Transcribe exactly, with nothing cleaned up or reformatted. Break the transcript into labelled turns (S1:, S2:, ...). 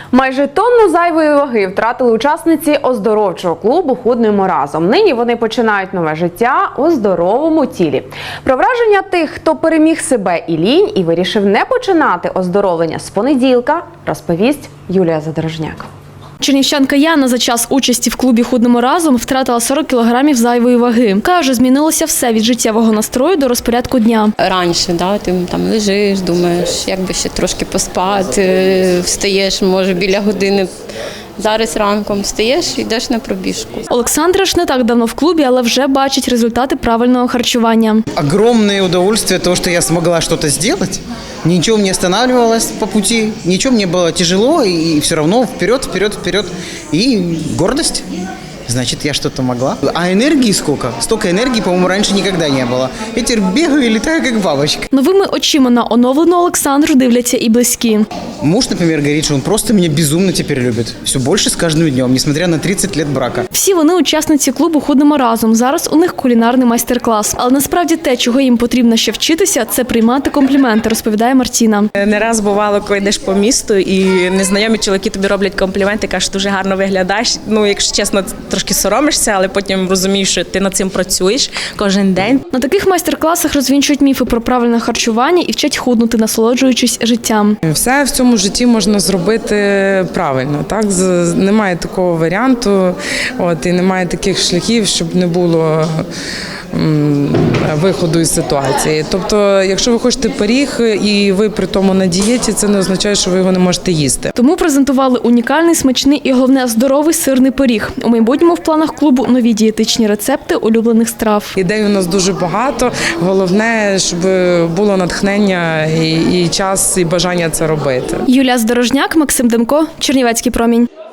S1: Майже тонну зайвої ваги втратили учасниці оздоровчого клубу «Худнемо разом». Нині вони починають нове життя у здоровому тілі. Про враження тих, хто переміг себе і лінь і вирішив не починати оздоровлення з понеділка, розповість Юлія Задорожняк.
S2: Чернівчанка Яна за час участі в клубі «Худнемо разом» втратила сорок кілограмів зайвої ваги. Каже, змінилося все від життєвого настрою до розпорядку дня.
S3: Раніше да, ти там лежиш, думаєш, як би ще трошки поспати, встаєш, може, біля години. Зараз ранком встаєш і йдеш на пробіжку.
S2: Олександра ж не так давно в клубі, але вже бачить результати правильного харчування.
S4: Огромное удовольствие того, что я смогла что-то сделать. Ничего не останавливалось по пути, ничего мне было тяжело, и все равно вперед, вперед, вперед. И гордость. Значит, я что-то могла. А энергии сколько? Столько энергии, по-моему, раньше никогда не было. Я теперь бегаю и летаю, как бабочка.
S2: Новими очима на оновлену Олександру дивляться і близькі.
S4: Муж, например, говорит, что он просто меня безумно теперь любит. Все больше с каждым днем, несмотря на тридцать лет брака.
S2: Всі вони учасниці клубу «Худнемо разом». Зараз у них кулінарний майстер-клас. Але насправді те, чого їм потрібно ще вчитися, це приймати компліменти, розповідає Мартіна.
S5: Не раз бувало, коли йдеш по місту і незнайомі чоловіки тобі роблять компліменти, кажуть, дуже гарно виглядаєш. Ну, якщо чесно, трошки соромишся, але потім розумієш, що ти над цим працюєш кожен день.
S2: На таких майстер-класах розвінчують міфи про правильне харчування і вчать худнути, насолоджуючись життям.
S6: Все в цьому житті можна зробити правильно. Так? З- Немає такого варіанту, от, і немає таких шляхів, щоб не було м, виходу із ситуації. Тобто, якщо ви хочете пиріг і ви при тому на дієті, це не означає, що ви його не можете їсти.
S2: Тому презентували унікальний, смачний і, головне, здоровий сирний пиріг. У майбутньому в планах клубу нові дієтичні рецепти улюблених страв.
S6: Ідей у нас дуже багато. Головне, щоб було натхнення і, і час, і бажання це робити.
S2: Юлія Задорожняк, Максим Демко, Чернівецький промінь.